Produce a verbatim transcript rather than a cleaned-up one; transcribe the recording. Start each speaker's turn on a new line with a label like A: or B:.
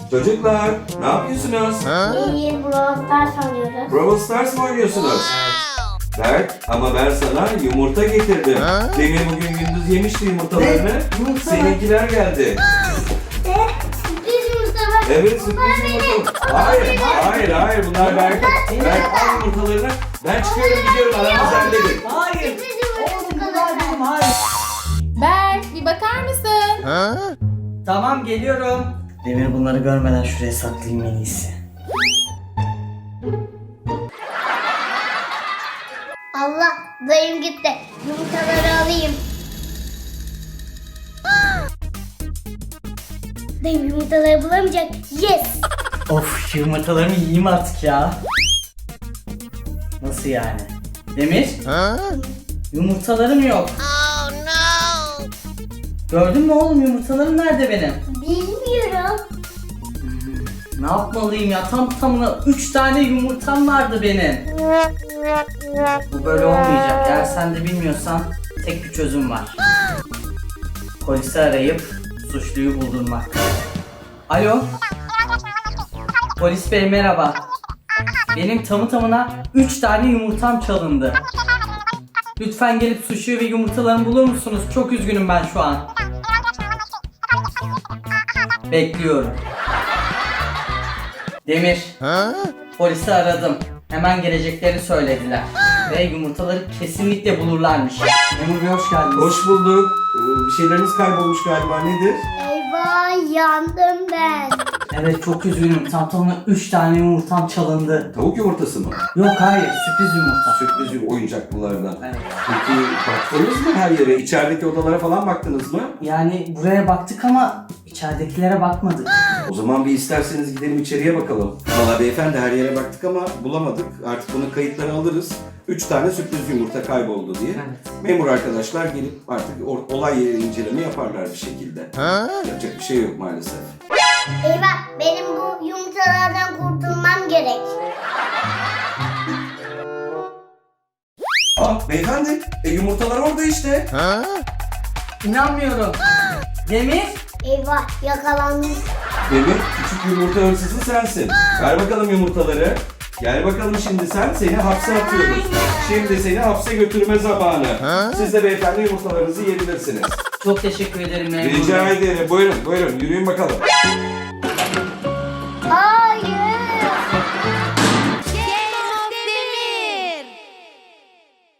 A: Çocuklar, ne yapıyorsunuz?
B: İyi, Brawl Stars oynuyoruz.
A: Brawl Stars mı oynuyorsunuz? Berk, ama ben sana yumurta getirdim. Demir bugün gündüz yemişti yumurtalarını.
C: Yumurta mı?
A: Seninkiler geldi.
B: Ne? Sürpriz yumurta var.
A: Evet, sürpriz yumurta. Hayır, hayır, hayır. Bunlar Berk. Berk al yumurtalarını. Ben çıkıyorum, gidiyorum. Aranızı halledin.
C: Hayır.
B: Sürpriz yumurta
C: Oğlum bunlar
B: çikolata.
C: benim, hayır.
D: Berk bir bakar mısın?
C: Tamam, geliyorum. Demir, bunları görmeden şuraya saklayayım en iyisi.
B: Allah, dayım gitti. Yumurtaları alayım. Dayım yumurtaları bulamayacak. Yes.
C: Of, yumurtalarımı yiyeyim artık ya. Nasıl yani? Demir? Yumurtalarım yok. Gördün mü oğlum, yumurtalarım nerede benim?
B: Bilmiyorum.
C: Ne yapmalıyım ya? Tam tamına üç tane yumurtam vardı benim. Bu böyle olmayacak. Eğer sen de bilmiyorsan tek bir çözüm var. Polisi arayıp suçluyu buldurmak. Alo. Polis bey merhaba. Benim tamı tamına üç tane yumurtam çalındı. Lütfen gelip suçluyu ve yumurtalarımı bulur musunuz? Çok üzgünüm ben şu an. Bekliyorum. Demir. Polisi aradım. Hemen geleceklerini söylediler. Ve yumurtaları kesinlikle bulurlarmış. Memur Bey hoş geldiniz.
A: Hoş bulduk. Ee, Bir şeyleriniz kaybolmuş galiba. Nedir?
B: Eyvah, yandım ben.
C: Evet, çok üzgünüm. Tam tamına üç tane yumurtam çalındı.
A: Tavuk yumurtası mı?
C: Yok, hayır, sürpriz yumurta.
A: Sürpriz bir oyuncaklılardan.
C: Evet.
A: Peki baktınız mı her yere? İçerideki odalara falan baktınız mı?
C: Yani buraya baktık ama içeridekilere bakmadık.
A: O zaman bir isterseniz gidelim içeriye bakalım. Valla beyefendi her yere baktık ama bulamadık. Artık bunun kayıtlarını alırız. Üç tane sürpriz yumurta kayboldu diye.
C: Evet.
A: Memur arkadaşlar gelip artık or- olay yeri inceleme yaparlar bir şekilde. Yapacak bir şey yok maalesef.
B: Eyvah, benim bu yumurtalardan kurtulmam gerek.
A: Aa beyefendi e, yumurtalar orada işte.
C: İnanmıyorum. Demir.
B: Eyvah, yakalandım.
A: Demir küçük yumurta hırsızı sensin. Ver bakalım yumurtaları. Gel bakalım şimdi sen, seni hapse atıyoruz. Şimdi seni hapse götürme zamanı. Siz de beyefendi yumurtalarınızı yiyebilirsiniz.
C: Çok teşekkür ederim memur
A: Rica
C: bey.
A: ederim. Buyurun buyurun yürüyün bakalım.